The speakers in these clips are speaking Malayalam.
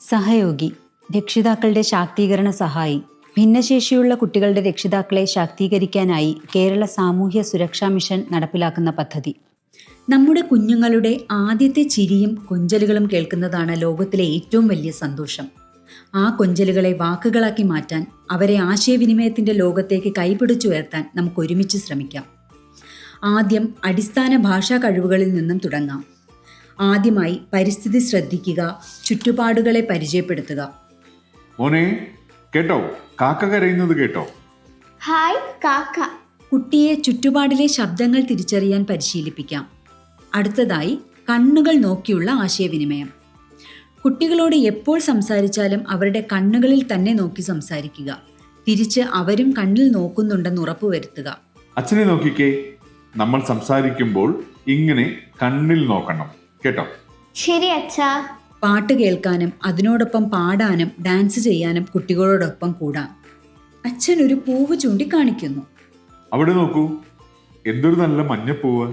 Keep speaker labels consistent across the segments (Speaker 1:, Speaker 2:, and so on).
Speaker 1: സഹയോഗി, രക്ഷിതാക്കളുടെ ശാക്തീകരണ സഹായി. ഭിന്നശേഷിയുള്ള കുട്ടികളുടെ രക്ഷിതാക്കളെ ശാക്തീകരിക്കാനായി കേരള സാമൂഹ്യ സുരക്ഷാ മിഷൻ നടപ്പിലാക്കുന്ന പദ്ധതി. നമ്മുടെ കുഞ്ഞുങ്ങളുടെ ആദ്യത്തെ ചിരിയും കൊഞ്ചലുകളും കേൾക്കുന്നതാണ് ലോകത്തിലെ ഏറ്റവും വലിയ സന്തോഷം. ആ കൊഞ്ചലുകളെ വാക്കുകളാക്കി മാറ്റാൻ, അവരെ ആശയവിനിമയത്തിൻ്റെ ലോകത്തേക്ക് കൈപിടിച്ചുയർത്താൻ നമുക്ക് ഒരുമിച്ച് ശ്രമിക്കാം. ആദ്യം അടിസ്ഥാന ഭാഷാ കഴിവുകളിൽ നിന്നും തുടങ്ങാം. ആദ്യമായി പരിസ്ഥിതി ശ്രദ്ധിക്കുക, ചുറ്റുപാടുകളെ പരിചയപ്പെടുത്തുക.
Speaker 2: മോനെ കേട്ടോ, കാക്ക കരയുന്നത് കേട്ടോ?
Speaker 3: ഹായ് കാക്ക.
Speaker 1: കുട്ടിയെ ചുറ്റുപാടിലെ ശബ്ദങ്ങൾ തിരിച്ചറിയാൻ പരിശീലിപ്പിക്കാം. അടുത്തതായി കണ്ണുകൾ നോക്കിയുള്ള ആശയവിനിമയം. കുട്ടികളോട് എപ്പോൾ സംസാരിച്ചാലും അവരുടെ കണ്ണുകളിൽ തന്നെ നോക്കി സംസാരിക്കുക. തിരിച്ച് അവരും കണ്ണിൽ നോക്കുന്നുണ്ടെന്ന് ഉറപ്പുവരുത്തുക.
Speaker 2: അച്ഛനെ നോക്കിക്കേ, നമ്മൾ സംസാരിക്കുമ്പോൾ ഇങ്ങനെ കണ്ണിൽ നോക്കണം കേട്ടോ.
Speaker 3: ശരി അച്ഛാ.
Speaker 1: പാട്ട് കേൾക്കാനും അതിനോടൊപ്പം പാടാനും ഡാൻസ് ചെയ്യാനും കുട്ടികളോടൊപ്പം കൂടാം. അച്ഛൻ ഒരു പൂവ് ചൂണ്ടിക്കാണിക്കുന്നു.
Speaker 2: അവിടെ നോക്കൂ, എന്തൊരു നല്ല മഞ്ഞപ്പൂവ്.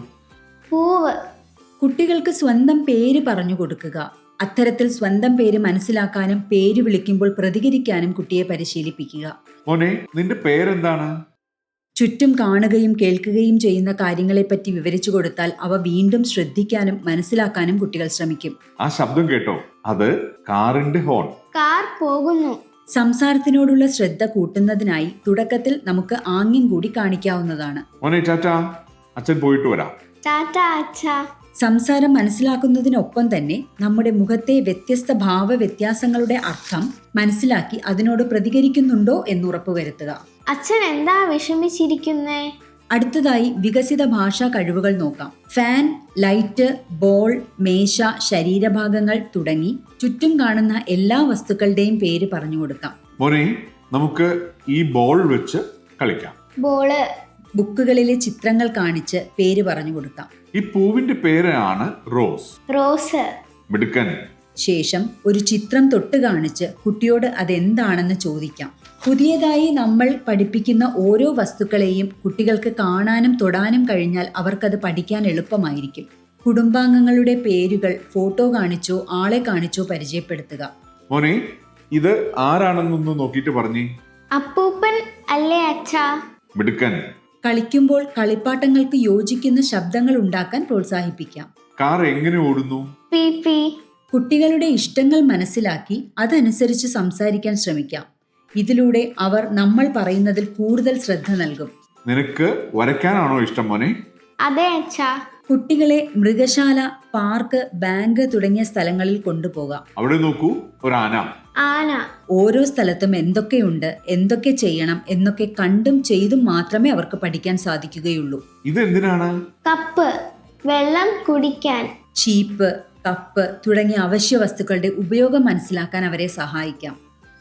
Speaker 3: പൂവ്.
Speaker 1: കുട്ടികൾക്ക് സ്വന്തം പേര് പറഞ്ഞു കൊടുക്കുക. അത്തരത്തിൽ സ്വന്തം പേര് മനസ്സിലാക്കാനും പേര് വിളിക്കുമ്പോൾ പ്രതികരിക്കാനും കുട്ടിയെ പരിശീലിപ്പിക്കുക.
Speaker 2: മോനെ, നിന്റെ പേരെന്താണ്?
Speaker 1: ചുറ്റും കാണുകയും കേൾക്കുകയും ചെയ്യുന്ന കാര്യങ്ങളെപ്പറ്റി വിവരിച്ചു കൊടുത്താൽ അവ വീണ്ടും ശ്രദ്ധിക്കാനും മനസ്സിലാക്കാനും കുട്ടികൾ ശ്രമിക്കും.
Speaker 2: ആ ശബ്ദം കേട്ടോ, അത് കാറിന്റെ ഹോൺ.
Speaker 3: കാർ പോകുന്നു.
Speaker 1: സംസാരത്തിനോടുള്ള ശ്രദ്ധ കൂട്ടുന്നതിനായി തുടക്കത്തിൽ നമുക്ക് ആംഗ്യം കൂടി കാണിക്കാവുന്നതാണ്.
Speaker 2: മോനെ ടാറ്റാ, അച്ഛൻ പോയിട്ട് വരാം.
Speaker 3: ടാറ്റ അച്ഛാ.
Speaker 1: സംസാരം മനസ്സിലാക്കുന്നതിനൊപ്പം തന്നെ നമ്മുടെ മുഖത്തെ വ്യത്യസ്ത ഭാവ വ്യത്യാസങ്ങളുടെ അർത്ഥം മനസ്സിലാക്കി അതിനോട് പ്രതികരിക്കുന്നുണ്ടോ എന്ന് ഉറപ്പുവരുത്തുക.
Speaker 3: അച്ഛൻ എന്താ വിഷമിച്ചിരിക്കുന്നേ?
Speaker 1: അടുത്തതായി വികസിത ഭാഷാ കഴിവുകൾ നോക്കാം. ഫാൻ, ലൈറ്റ്, ബോൾ, മേശ, ശരീരഭാഗങ്ങൾ തുടങ്ങി ചുറ്റും കാണുന്ന എല്ലാ വസ്തുക്കളുടെയും പേര് പറഞ്ഞു കൊടുക്കാം.
Speaker 2: മോനെ, നമുക്ക് ഈ ബോൾ വെച്ച് കളിക്കാം.
Speaker 3: ബോള്.
Speaker 1: ബുക്കുകളിലെ ചിത്രങ്ങൾ കാണിച്ച് പേര് പറഞ്ഞു കൊടുക്കാം.
Speaker 2: ഈ പൂവിന്റെ പേരാണ് റോസ്.
Speaker 3: റോസ്.
Speaker 2: മിടുക്കൻ.
Speaker 1: ശേഷം ഒരു ചിത്രം തൊട്ട് കാണിച്ച് കുട്ടിയോട് അതെന്താണെന്ന് ചോദിക്കാം. പുതിയതായി നമ്മൾ പഠിപ്പിക്കുന്ന ഓരോ വസ്തുക്കളെയും കുട്ടികൾക്ക് കാണാനും തൊടാനും കഴിഞ്ഞാൽ അവർക്കത് പഠിക്കാൻ എളുപ്പമായിരിക്കും. കുടുംബാംഗങ്ങളുടെ പേരുകൾ ഫോട്ടോ കാണിച്ചോ ആളെ കാണിച്ചോ പരിചയപ്പെടുത്തുക.
Speaker 2: മോനെ, ഇത് ആരാണെന്നൊന്ന് നോക്കിയിട്ട് പറഞ്ഞേ.
Speaker 3: അപ്പൂപ്പൻ അല്ലേ അച്ഛാ?
Speaker 2: മിടുക്കൻ.
Speaker 1: കളിക്കുമ്പോൾ കളിപ്പാട്ടങ്ങൾക്ക് യോജിക്കുന്ന ശബ്ദങ്ങൾ ഉണ്ടാക്കാൻ പ്രോത്സാഹിപ്പിക്കാം.
Speaker 2: കാർ എങ്ങനെ ഓടുന്നു?
Speaker 3: P P.
Speaker 1: കുട്ടികളുടെ ഇഷ്ടങ്ങൾ മനസ്സിലാക്കി അതനുസരിച്ച് സംസാരിക്കാൻ ശ്രമിക്കാം. ഇതിലൂടെ അവർ നമ്മൾ പറയുന്നതിൽ കൂടുതൽ ശ്രദ്ധ നൽകും.
Speaker 2: നിനക്ക് വരയ്ക്കാനാണോ ഇഷ്ടം മോനെ?
Speaker 3: അതെ അച്ഛാ.
Speaker 1: കുട്ടികളെ മൃഗശാല, പാർക്ക്, ബാങ്ക് തുടങ്ങിയ സ്ഥലങ്ങളിൽ കൊണ്ടുപോകാം.
Speaker 2: അവിടെ നോക്കൂ, ഒരു ആന.
Speaker 3: ആന.
Speaker 1: ഓരോ സ്ഥലത്തും എന്തൊക്കെയുണ്ട്, എന്തൊക്കെ ചെയ്യണം എന്നൊക്കെ കണ്ടും ചെയ്തും മാത്രമേ അവർക്ക് പഠിക്കാൻ സാധിക്കുകയുള്ളൂ.
Speaker 2: ഇതെന്തിനാണ്?
Speaker 3: കപ്പ്, വെള്ളം കുടിക്കാൻ.
Speaker 1: ചീപ്പ്, കപ്പ് തുടങ്ങിയ അവശ്യ വസ്തുക്കളുടെ ഉപയോഗം മനസ്സിലാക്കാൻ അവരെ സഹായിക്കാം.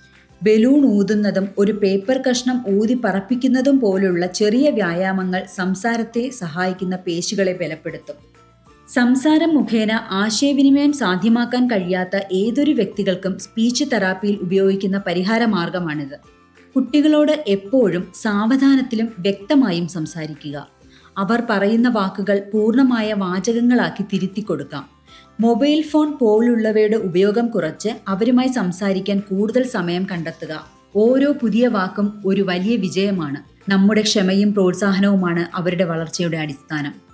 Speaker 1: ബലൂൺ ഊതുന്നതും ഒരു പേപ്പർ കഷ്ണം ഊതി പറപ്പിക്കുന്നതും പോലുള്ള ചെറിയ വ്യായാമങ്ങൾ സംസാരത്തെ സഹായിക്കുന്ന പേശികളെ ബലപ്പെടുത്തും. സംസാരം മുഖേന ആശയവിനിമയം സാധ്യമാക്കാൻ കഴിയാത്ത ഏതൊരു വ്യക്തികൾക്കും സ്പീച്ച് തെറാപ്പിയിൽ ഉപയോഗിക്കുന്ന പരിഹാര മാർഗമാണിത്. കുട്ടികളോട് എപ്പോഴും സാവധാനത്തിലും വ്യക്തമായും സംസാരിക്കുക. അവർ പറയുന്ന വാക്കുകൾ പൂർണ്ണമായ വാചകങ്ങളാക്കി തിരുത്തി കൊടുക്കാം. മൊബൈൽ ഫോൺ പോലുള്ളവയുടെ ഉപയോഗം കുറച്ച് അവരുമായി സംസാരിക്കാൻ കൂടുതൽ സമയം കണ്ടെത്തുക. ഓരോ പുതിയ വാക്കും ഒരു വലിയ വിജയമാണ്. നമ്മുടെ ക്ഷമയും പ്രോത്സാഹനവുമാണ് അവരുടെ വളർച്ചയുടെ അടിസ്ഥാനം.